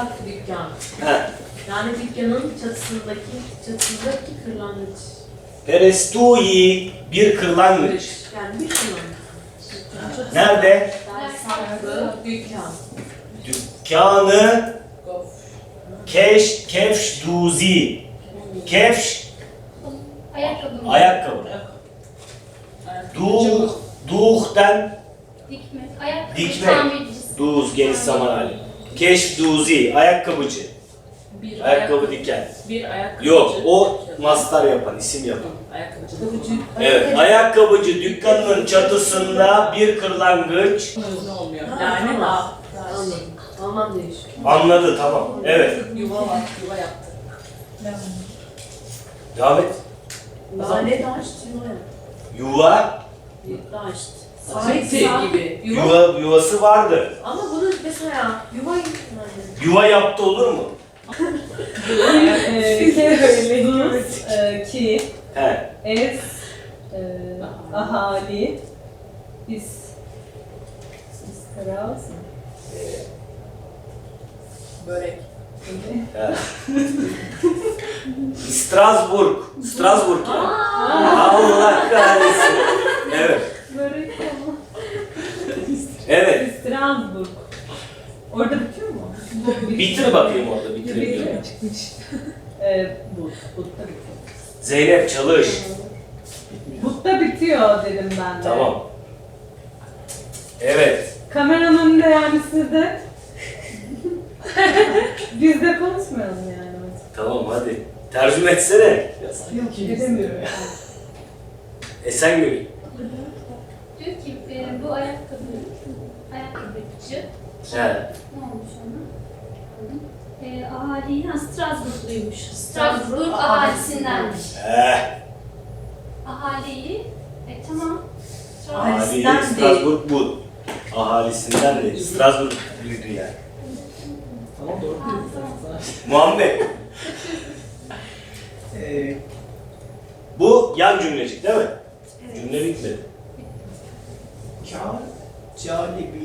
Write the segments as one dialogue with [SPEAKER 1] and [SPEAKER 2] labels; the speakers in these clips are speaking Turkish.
[SPEAKER 1] dükkan.
[SPEAKER 2] He.
[SPEAKER 1] Yani dükkanın çatısındaki kırlangıç.
[SPEAKER 2] Perestui bir kırlangıç.
[SPEAKER 1] Yani bir kırlangıç.
[SPEAKER 2] Nerede?
[SPEAKER 1] Saklı dükkan.
[SPEAKER 2] Dükkanı kefş duzi. Kefş
[SPEAKER 3] Ayakkabı mı?
[SPEAKER 2] ayakkabı. Duh'ten
[SPEAKER 3] Dikme. Ayakkabı
[SPEAKER 2] dikme.
[SPEAKER 3] tamircisi.
[SPEAKER 2] Duz geniş zaman hali. Keş duzi ayakkabıcı.
[SPEAKER 1] Bir
[SPEAKER 2] Ayakkabı diken.
[SPEAKER 1] Bir ayakkabıcı.
[SPEAKER 2] Yok o mastar yapan, isim yapan.
[SPEAKER 1] Ayakkabıcı.
[SPEAKER 2] Evet, ayakkabıcı dükkanının çatısında bir kırlangıç.
[SPEAKER 1] Ne olmuyor? Yani ha. Anladım. Anlam değişiyor.
[SPEAKER 2] Anladı, tamam. Evet,
[SPEAKER 1] Yuva var. Yuva yaptı.
[SPEAKER 2] devam et.
[SPEAKER 1] Lale daşt yuva yaptı.
[SPEAKER 2] Yuva,
[SPEAKER 1] Daşt. Saati gibi.
[SPEAKER 2] yuvası vardı.
[SPEAKER 1] Ama bunu mesela yuva yani.
[SPEAKER 2] Yuva yaptı olur mu?
[SPEAKER 4] Ki,
[SPEAKER 2] He.
[SPEAKER 4] es, ahali, iskaraz mı?
[SPEAKER 1] Börek.
[SPEAKER 2] He. Strasbourg yani. Allah kahretsin. Evet.
[SPEAKER 4] Börek ama.
[SPEAKER 2] Evet.
[SPEAKER 4] Strasbourg. Orada bitiyor mu?
[SPEAKER 2] Bitir bakayım orada, bitirebiliyor muyum?
[SPEAKER 4] Butta bitiyor.
[SPEAKER 2] Zeynep çalış.
[SPEAKER 4] Butta bitiyor dedim ben de.
[SPEAKER 2] Tamam. Evet.
[SPEAKER 4] Kameranın önünde yani sizde. Biz de konuşmayalım yani.
[SPEAKER 2] Tamam hadi. Tercüme etsene.
[SPEAKER 4] Yok edemiyorum.
[SPEAKER 2] Esengül.
[SPEAKER 3] Diyor ki bu ayakkabıcı.
[SPEAKER 2] He.
[SPEAKER 3] Ne olmuş ona? Ahali, Strasbourgluymuş. Strasbourg ahalisindenmiş. Ahaliyi, tamam.
[SPEAKER 1] Ahalisinden değil.
[SPEAKER 2] Strasbourg bu. Ahalisinden değil. Strasbourg büyüdü yani.
[SPEAKER 1] Tamam doğru.
[SPEAKER 3] Tamam.
[SPEAKER 2] Muhammed. Bu yan cümlecik değil mi?
[SPEAKER 3] Evet.
[SPEAKER 2] Cümle bitmedi.
[SPEAKER 5] Kâr, calibi,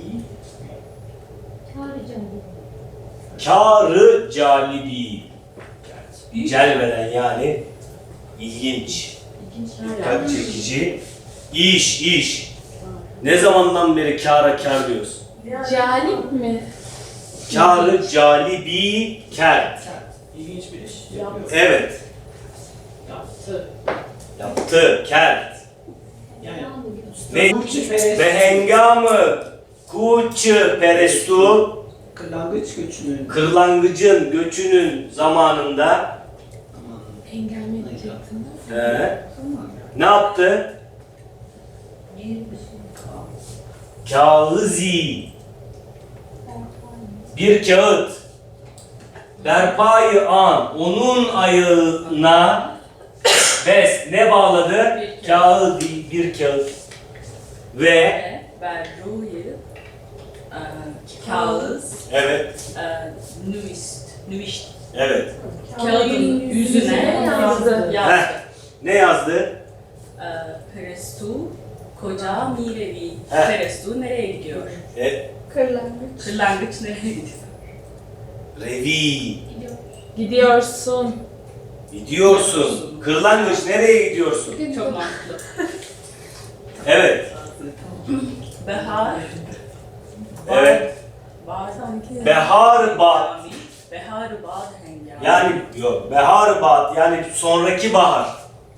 [SPEAKER 2] Kârı calibi. Celveden yani ilginç, dikkat çekici, iş. Ne zamandan beri kâra kâr diyoruz?
[SPEAKER 1] Calip mi?
[SPEAKER 2] Kârı calibi kâr.
[SPEAKER 5] ilginç bir iş yapıyor.
[SPEAKER 2] Evet.
[SPEAKER 1] Yaptı.
[SPEAKER 2] Yaptı kâr.
[SPEAKER 5] Yani
[SPEAKER 2] Ne?
[SPEAKER 5] Kuçu Perest,
[SPEAKER 2] Ve hengamı kuçu perestu
[SPEAKER 5] kırlangıç göçünün
[SPEAKER 2] kırlangıcın göçünün zamanında
[SPEAKER 1] Engelme
[SPEAKER 2] ne yaptı? Kağızi bir kağıt berpayı an onun ayağına ne bağladı? Kağıt bir kağıt ve
[SPEAKER 1] Berru'yu kağıt
[SPEAKER 2] evet
[SPEAKER 1] nüvişt
[SPEAKER 2] evet
[SPEAKER 1] kağıdın yüzüne yazdı.
[SPEAKER 2] Heh, ne yazdı?
[SPEAKER 1] Perestu koca mirevi.
[SPEAKER 2] Heh.
[SPEAKER 1] Perestu nereye gidiyor? Kırlangıç nereye gidiyor?
[SPEAKER 2] Revi
[SPEAKER 1] Gidiyorsun.
[SPEAKER 2] gidiyorsun. Kırlangıç nereye gidiyorsun?
[SPEAKER 1] Çok mantıklı.
[SPEAKER 2] Evet.
[SPEAKER 1] Behar.
[SPEAKER 2] Evet.
[SPEAKER 1] Bazı
[SPEAKER 2] Behar bat.
[SPEAKER 1] Behar bat hengami.
[SPEAKER 2] Yani yok. Behar bat yani sonraki bahar.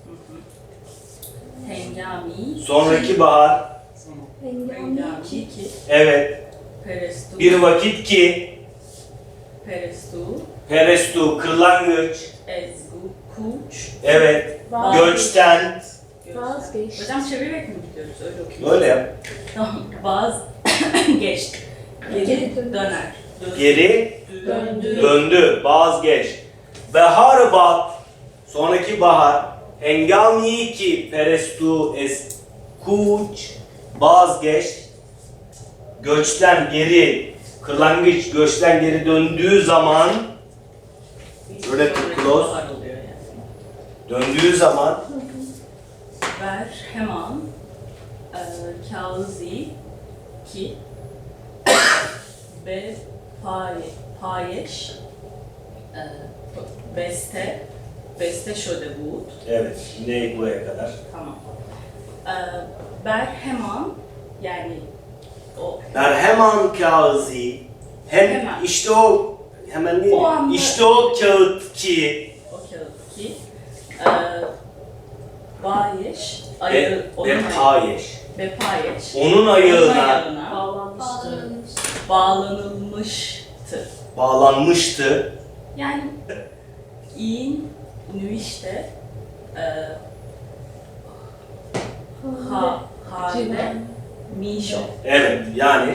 [SPEAKER 1] Hengami.
[SPEAKER 2] Sonraki bahar.
[SPEAKER 1] Hengami ki.
[SPEAKER 2] Evet.
[SPEAKER 1] Perestu.
[SPEAKER 2] Bir vakit ki
[SPEAKER 1] Perestu.
[SPEAKER 2] perestu kırlangıç.
[SPEAKER 1] Ezgu. Kuş.
[SPEAKER 2] Evet. Göçten.
[SPEAKER 1] Vazgeç. Hocam çevirerek mi gidiyoruz? Öyle okuyoruz.
[SPEAKER 2] Böyle yap.
[SPEAKER 1] Tamam. Geçti. Geri döner.
[SPEAKER 2] Geri
[SPEAKER 1] Döndü.
[SPEAKER 2] döndü. Vazgeç. Behar bat. Sonraki bahar. Hengami ki perestu es kuç. Vazgeç. Göçten geri. Kırlangıç göçten geri döndüğü zaman böyle close.
[SPEAKER 1] Bahar oluyor yani.
[SPEAKER 2] Döndüğü zaman
[SPEAKER 1] Ver hemen kağızi ki be pare
[SPEAKER 6] Payeş, beste şöyle bu.
[SPEAKER 2] Evet. Ne buraya kadar?
[SPEAKER 6] Tamam. Berheman, yani o
[SPEAKER 2] Berheman kağıdı.
[SPEAKER 6] Hemen.
[SPEAKER 2] İşte o hemen değil.
[SPEAKER 6] O anda-
[SPEAKER 2] İşte o kağıt ki.
[SPEAKER 6] o kağıt ki. Bayeş, ayağı,
[SPEAKER 2] Ve payeş.
[SPEAKER 6] ve payeş.
[SPEAKER 2] Onun ayağına
[SPEAKER 4] Bağlanmıştı.
[SPEAKER 6] bağlanılmıştı.
[SPEAKER 2] bağlanmıştı.
[SPEAKER 6] Yani in nüişte halde mişo.
[SPEAKER 2] Evet. Yani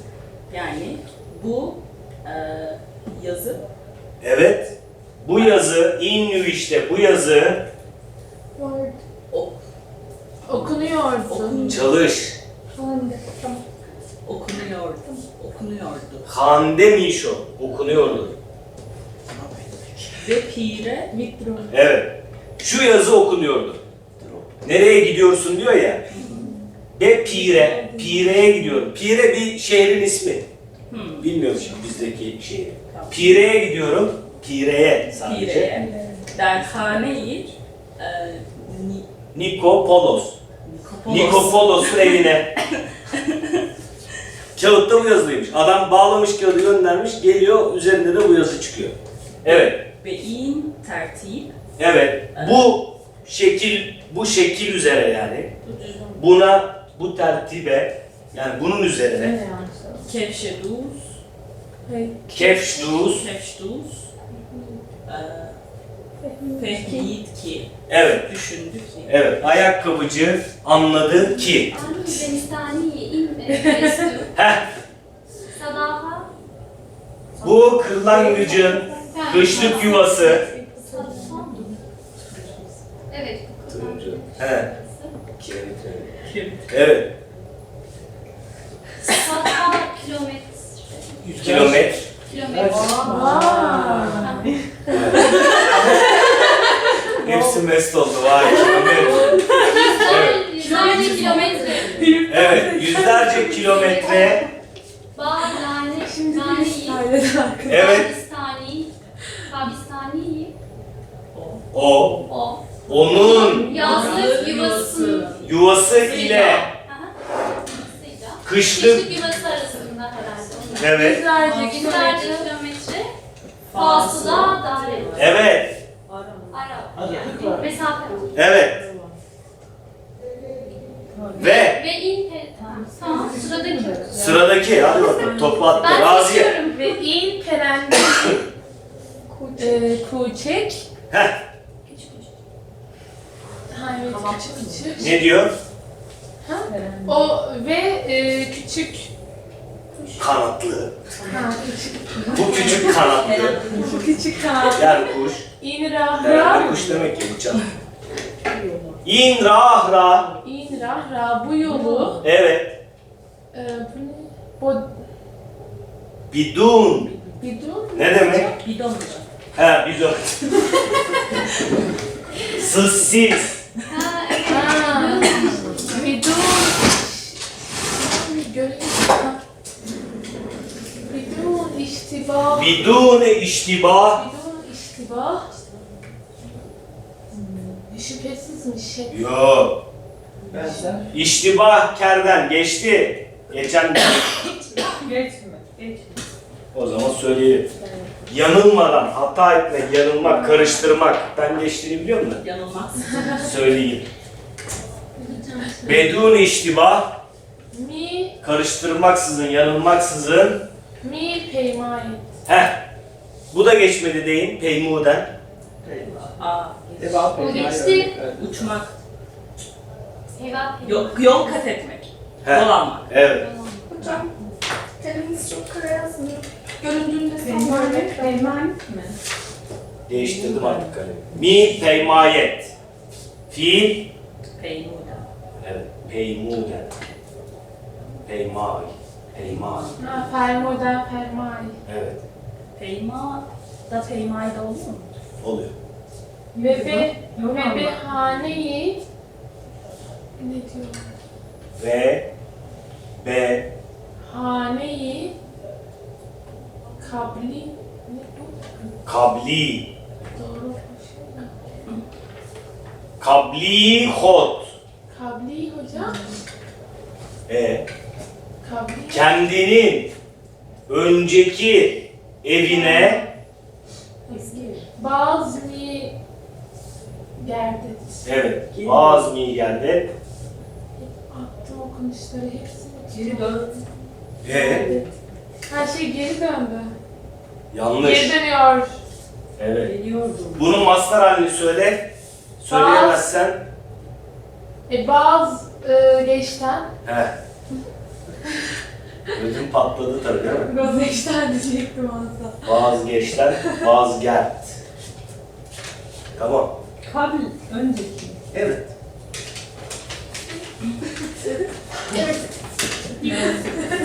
[SPEAKER 6] Bu yazı
[SPEAKER 2] evet. Bu yazı işte bu yazı
[SPEAKER 6] ok,
[SPEAKER 4] Okunuyordu.
[SPEAKER 2] çalış.
[SPEAKER 6] okunuyordu.
[SPEAKER 2] Hande Mişo okunuyordu.
[SPEAKER 6] Ve pire
[SPEAKER 2] Evet. Şu yazı okunuyordu. Nereye gidiyorsun diyor ya. Ve Pire'ye gidiyorum. Pire bir şehrin ismi. Bilmiyorum şimdi bizdeki şehri.
[SPEAKER 6] Tamam.
[SPEAKER 2] Pire'ye gidiyorum. Pire'ye sadece.
[SPEAKER 6] pireye derhaneyi
[SPEAKER 2] Nikopolos. Nikopolos'un evine. Kağıtta bu yazılıymış. Adam bağlamış kağıdı göndermiş, geliyor üzerinde de bu yazı çıkıyor. Evet.
[SPEAKER 6] ve in tertip
[SPEAKER 2] Evet. Bu şekil üzere yani. Bu tertibe yani bunun üzerine
[SPEAKER 6] kevşeduz
[SPEAKER 2] kefşduz.
[SPEAKER 6] Fehmiyet ki
[SPEAKER 2] Evet.
[SPEAKER 6] düşündü ki
[SPEAKER 2] Evet. Ayakkabıcı anladı ki.
[SPEAKER 3] Ani zemistani in bestu.
[SPEAKER 2] Heh.
[SPEAKER 3] Sadaha.
[SPEAKER 2] Bu kırlangıcın kışlık yuvası.
[SPEAKER 3] Evet.
[SPEAKER 2] He. Evet.
[SPEAKER 3] Sadaha kilometre.
[SPEAKER 2] Kilometre.
[SPEAKER 3] Kilometre.
[SPEAKER 2] Hepsi mest oldu. Vay kilometre.
[SPEAKER 3] Yüzlerce kilometre.
[SPEAKER 2] Evet. Yüzlerce kilometre.
[SPEAKER 3] Bağlane.
[SPEAKER 2] Evet.
[SPEAKER 3] Kabistani.
[SPEAKER 2] O.
[SPEAKER 3] O.
[SPEAKER 2] Onun
[SPEAKER 3] Yazlık yuvası.
[SPEAKER 2] yuvası ile
[SPEAKER 3] Aha.
[SPEAKER 2] kışlık.
[SPEAKER 3] Yuvası arasında herhalde.
[SPEAKER 2] Evet.
[SPEAKER 3] Yüzlerce kilometre. Fasıla daire.
[SPEAKER 2] Evet.
[SPEAKER 3] Ara. Yani mesafe.
[SPEAKER 2] Evet. Ve
[SPEAKER 3] Ve in tamam sıradaki.
[SPEAKER 2] sıradaki hadi bakalım topu attı.
[SPEAKER 3] Ben
[SPEAKER 2] Raziye.
[SPEAKER 3] seçiyorum.
[SPEAKER 4] Ve in perengi kuçek.
[SPEAKER 2] Heh.
[SPEAKER 4] Ha evet küçük küçük.
[SPEAKER 2] Ne diyor?
[SPEAKER 4] O ve küçük.
[SPEAKER 2] Kanatlı.
[SPEAKER 4] Ha küçük.
[SPEAKER 2] Bu küçük kanatlı.
[SPEAKER 4] Küçük kanat.
[SPEAKER 2] Yani kuş.
[SPEAKER 4] İn
[SPEAKER 2] Herhalde
[SPEAKER 4] rahra.
[SPEAKER 2] kuş demek ki uçan. İn rahra.
[SPEAKER 4] İn rahra bu yolu.
[SPEAKER 2] Evet.
[SPEAKER 4] Bu ne? Bu
[SPEAKER 2] Bidun.
[SPEAKER 4] bidon.
[SPEAKER 2] Ne demek?
[SPEAKER 6] bidon
[SPEAKER 2] He bidun. Sızsiz.
[SPEAKER 3] Ha evet.
[SPEAKER 4] Ha. Bidon. Göreyim. Bidon iştibah.
[SPEAKER 2] Bidun iştibah.
[SPEAKER 4] Bidon iştibah. Şüphesizmiş.
[SPEAKER 2] Yo.
[SPEAKER 5] Benzer.
[SPEAKER 2] İştibah kerden geçti. Geçen
[SPEAKER 4] Geçme. Geçme.
[SPEAKER 2] o zaman söyleyelim. Yanılmadan, hata etmek, yanılmak, karıştırmak. Ben geçtiğini biliyor musun?
[SPEAKER 6] yanılmaz.
[SPEAKER 2] Söyleyeyim. Bedun iştibah,
[SPEAKER 4] Mi
[SPEAKER 2] karıştırmaksızın, yanılmaksızın.
[SPEAKER 4] mi peymayet.
[SPEAKER 2] Heh. Bu da geçmedi deyin, peymuden.
[SPEAKER 5] Devam
[SPEAKER 3] O
[SPEAKER 5] et.
[SPEAKER 3] geçti.
[SPEAKER 5] Evet.
[SPEAKER 6] Uçmak,
[SPEAKER 3] Heva
[SPEAKER 6] yol kat etmek,
[SPEAKER 2] Heh.
[SPEAKER 6] dolanmak.
[SPEAKER 2] Evet.
[SPEAKER 7] Hocam, telimiz çok kara yazmıyor. Göründüğünde
[SPEAKER 4] Peymayet. Peymayet mi?
[SPEAKER 2] Değiştirdim artık kalemi. Mi peymayet. Fiil.
[SPEAKER 6] Peymuda.
[SPEAKER 2] Evet. Peymuden. Peymay. Peymay.
[SPEAKER 4] Ha, fermoda fermay.
[SPEAKER 2] Evet.
[SPEAKER 6] Peyma da peymayda olur mu?
[SPEAKER 2] Oluyor.
[SPEAKER 4] Ve haneyi ne diyor?
[SPEAKER 2] Ve
[SPEAKER 4] Haneyi kabli
[SPEAKER 2] Kabli.
[SPEAKER 8] Doğru.
[SPEAKER 2] Kabli hot.
[SPEAKER 8] Kabli hocam. Kabli.
[SPEAKER 2] Kendinin önceki evine
[SPEAKER 8] Bazı geldi.
[SPEAKER 2] evet bazı mi geldi.
[SPEAKER 8] Attım okunuşları hepsini.
[SPEAKER 1] Geri dön.
[SPEAKER 8] Her şey geri döndü.
[SPEAKER 2] Yanlış.
[SPEAKER 8] Geri dönüyor.
[SPEAKER 2] Evet.
[SPEAKER 1] Geliyordum.
[SPEAKER 2] Bunun mastar halini söyle. Söyleyemezsen.
[SPEAKER 8] Bazı geçten.
[SPEAKER 2] He. Ödüm patladı tabii değil mi?
[SPEAKER 8] Rozeşten diyecektim aslında.
[SPEAKER 2] Vazgeçten vazgeç. Tamam.
[SPEAKER 4] Kabl önceki.
[SPEAKER 2] Evet.
[SPEAKER 8] Evet.